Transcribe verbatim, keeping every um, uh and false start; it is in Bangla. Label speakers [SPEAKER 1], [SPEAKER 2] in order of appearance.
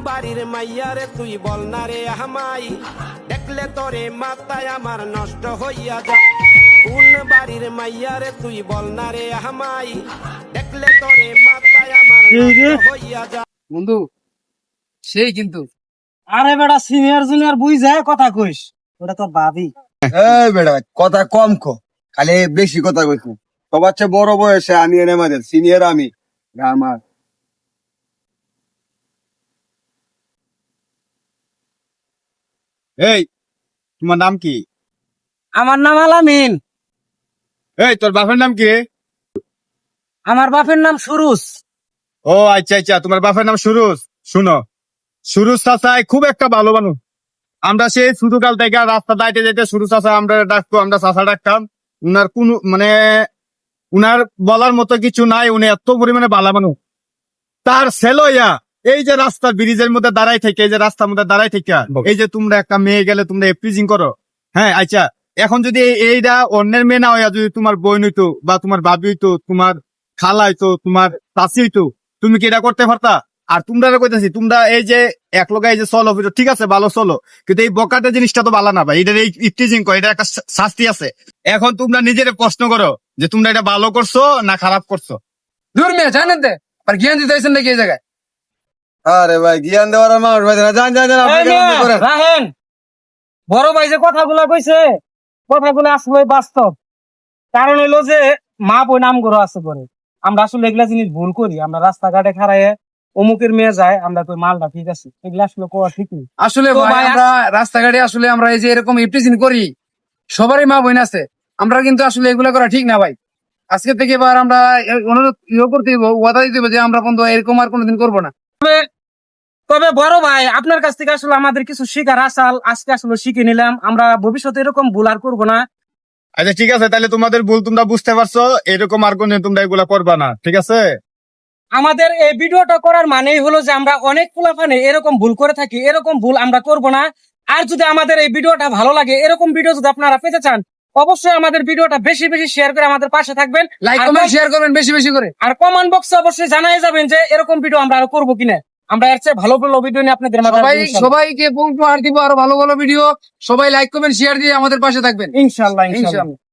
[SPEAKER 1] বাড়ির মাইয়ারে তুই বল না রে আমাই, দেখলে তোরে মাথায় আমার নষ্ট হইয়া যায়। কোন বাড়ির মাইয়ারে তুই বল না রে আমাই, দেখলে তোরে মাথায় আমার নষ্ট হইয়া যায়।
[SPEAKER 2] বন্ধু সেই কিন্তু
[SPEAKER 3] আরে বেটা সিনিয়র জুনিয়র বুঝ যায় কথা কইস, ওটা তোর ভাবি।
[SPEAKER 4] এই বেটা কথা কম কো, খালি বেশি কথা কইছ। সবার চেয়ে বড় বয়সে আমি এনে আমাদের সিনিয়র আমি আমার। এই তোমার নাম কি?
[SPEAKER 3] আমার নাম আলামিন।
[SPEAKER 4] এই তোর বাপের নাম কি রে?
[SPEAKER 3] আমার বাপের নাম সুরুজ।
[SPEAKER 4] ও আচ্ছা আচ্ছা, তোমার বাপের নাম সুরুজ। শুনো, সুরুজ চাচাই খুব একটা ভালো মানুষ। আমরা সেই ছোটকাল থেকে রাস্তা দাইতে যেতে সুরুজ চাচা আমরা ডাকতো, আমরা চাচা ডাকতাম। উনার কোন মানে উনার বলার মতো কিছু নাই, উনি এত পরিমাণে ভালো মানুষ। তার ছেলে ইয়া এই যে রাস্তার ব্রিজের মধ্যে দাঁড়াই থেকে, এই যে রাস্তার মধ্যে দাঁড়াই থেকে, এই যে তোমরা একটা মেয়ে গেলে তোমরা এপ্রিজিং করো। হ্যাঁ আচ্ছা, এখন যদি এইটা অন্যের মেয়ে না হইয়া যদি তোমার বোন হইতো বা তোমার ভাবি হইতো, তোমার খালা হইতো, তোমার চাচি হইতো, তুমি কি এটা করতে পারতা? আর তোমরা কইতেছি তোমরা এই যে এক লোক এই যে চলো ঠিক আছে ভালো চলো, কিন্তু এই বকাটা জিনিসটা তো ভালো না ভাই। এটার এই ইফটিজিং কো, এটা একটা শাস্তি আছে। এখন তোমরা নিজের প্রশ্ন করো যে তোমরা এটা ভালো করছো না খারাপ করছো।
[SPEAKER 2] দূর মেয়ে জানেন দে আর জ্ঞান দিতে আইছেন নাকি এই জায়গায়?
[SPEAKER 4] আরে ভাই জ্ঞান দেওয়ার মানুষ ভাই না, জান জান জান আপনি কেমন করেন?
[SPEAKER 3] রাহেন, বড় ভাই যে কথাগুলা কইছে কথাগুলো আসলে বাস্তব। কারণ হইলো যে মা বই নাম গরো আছে করে, আমরা আসলে এগুলা জিনিস ভুল করি। আমরা রাস্তাঘাটে খাড়াইয়ে অমুকের মেয়ে যায়, আমরা কই মালটা ঠিক আছে, এগুলা আসলে কোয়া ঠিক নেই।
[SPEAKER 2] আসলে
[SPEAKER 3] তো
[SPEAKER 2] ভাই
[SPEAKER 3] ভাই,
[SPEAKER 2] আমরা রাস্তাঘাটে আসলে আমরা এই যে এরকম ইফটিজিং করি, সবারই মা বোন আছে, আমরা কিন্তু আসলে এগুলা করা ঠিক না ভাই। আজকে থেকে এবার আমরা এ- অনুরোধ ইয়ে করতে দিব, ওয়াদা দিতে হবে যে আমরা বন্ধু এরকম আর কোনোদিন করবো না।
[SPEAKER 3] তবে বড় ভাই আপনার কাছ থেকে আসলে আমাদের কিছু শিখার আসাল আজকে আসলে শিখে নিলাম। আমরা ভবিষ্যতে এরকম ভুল আর করবো না।
[SPEAKER 4] আচ্ছা ঠিক আছে, তাহলে তোমাদের ভুল তোমরা বুঝতে পারছো, এরকম আর কোনদিন তোমরা এগুলা করবা না, ঠিক আছে?
[SPEAKER 3] আমাদের এই ভিডিওটা করার মানেই হলো যে আমরা অনেক পোলাপানে এরকম ভুল করে থাকি, এরকম ভুল আমরা করব না। আর যদি আমাদের এই ভিডিওটা ভালো লাগে, এরকম ভিডিও যদি আপনারা পেতে চান, অবশ্যই আমাদের ভিডিওটা বেশি বেশি শেয়ার করে আমাদের পাশে থাকবেন,
[SPEAKER 2] লাইক
[SPEAKER 3] আর
[SPEAKER 2] কমেন্ট
[SPEAKER 3] কম-
[SPEAKER 2] শেয়ার করবেন বেশি বেশি করে।
[SPEAKER 3] আর কমেন্ট বক্সে অবশ্যই জানাই যাবেন যে এরকম ভিডিও আমরা আরো করবো কিনা। আমরা এর চেয়ে ভালো ভালো ভিডিও নিয়ে আপনাদের মাঝে
[SPEAKER 2] সবাই
[SPEAKER 3] আসবো ইনশাল্লাহ।
[SPEAKER 2] সবাইকে উপহার দিব আরো ভালো ভালো ভিডিও। সবাই লাইক কমেন্ট শেয়ার দিয়ে আমাদের পাশে থাকবেন
[SPEAKER 3] ইনশাল্লাহ ইনশাল্লাহ।
[SPEAKER 2] ইনশাআল্লাহ।